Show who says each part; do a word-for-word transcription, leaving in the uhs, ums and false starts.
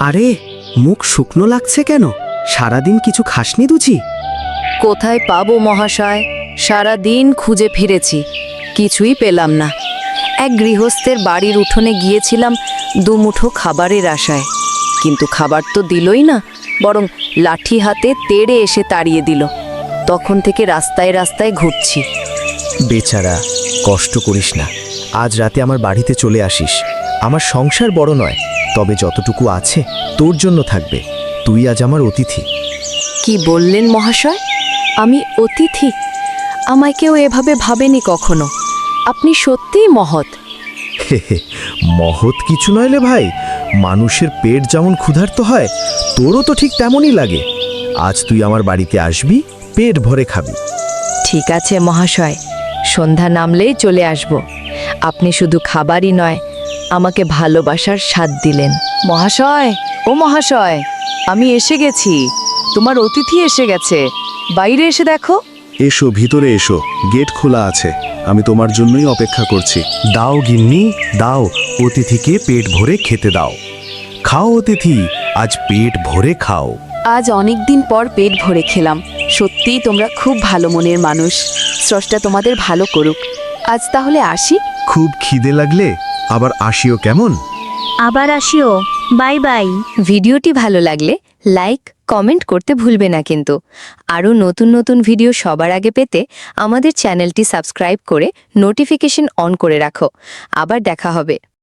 Speaker 1: আরে, মুখ শুকনো লাগছে কেন? সারাদিন কিছু খাসনি দুচি?
Speaker 2: কোথায় পাবো মহাশয়? সারা দিন খুঁজে ফিরেছি, কিছুই পেলাম না। এক গৃহস্থের বাড়ির উঠোনে গিয়েছিলাম দুমুঠো খাবারের আশায়, কিন্তু খাবার তো দিলই না, বরং লাঠি হাতে তেড়ে এসে তাড়িয়ে দিল। তখন থেকে রাস্তায় রাস্তায় ঘুরছি।
Speaker 3: বেচারা, কষ্ট করিস না। আজ রাতে আমার বাড়িতে চলে আসিস। আমার সংসার বড় নয়, তবে যতটুকু আছে তোর জন্য থাকবে। তুই আজ আমার অতিথি।
Speaker 2: কি বললেন মহাশয়? আমি অতিথি? আমায় কেউ এভাবে ভাবেনি কখনো। আপনি সত্যিই মহৎ।
Speaker 3: হে হে, মহৎ কিছু নইলে ভাই, মানুষের পেট যেমন ক্ষুধার্ত হয়, তোরও তো ঠিক তেমনই লাগে। আজ তুই আমার বাড়িতে আসবি, পেট ভরে খাবি।
Speaker 2: ঠিক আছে মহাশয়, সন্ধ্যা নামলেই চলে আসব। আপনি শুধু খাবারই নয়, আমাকে ভালোবাসার স্বাদ দিলেন। মহাশয়, ও মহাশয়, আমি এসে গেছি। তোমার অতিথি এসে গেছে। বাইরে এসে দেখো।
Speaker 4: এসো, ভিতরে এসো, গেট খোলা আছে। আমি তোমার জন্যই অপেক্ষা করছি।
Speaker 3: দাও গিন্নি, দাও, অতিথিকে পেট ভরে খেতে দাও। খাও অতিথি, আজ পেট ভরে খাও।
Speaker 5: আজ অনেক দিন পর পেট ভরে খেলাম। সত্যিই তোমরা খুব ভালো মনের মানুষ। স্রষ্টা তোমাদের ভালো করুক। আজ তাহলে আসি।
Speaker 3: খুব খিদে লাগলে আবার আসিও কেমন?
Speaker 6: আবার আসিও। Bye bye.
Speaker 2: ভিডিওটি ভালো লাগলে লাইক কমেন্ট করতে ভুলবে না কিন্তু। আরও নতুন নতুন ভিডিও সবার আগে পেতে আমাদের চ্যানেলটি সাবস্ক্রাইব করে নোটিফিকেশন অন করে রাখো। আবার দেখা হবে।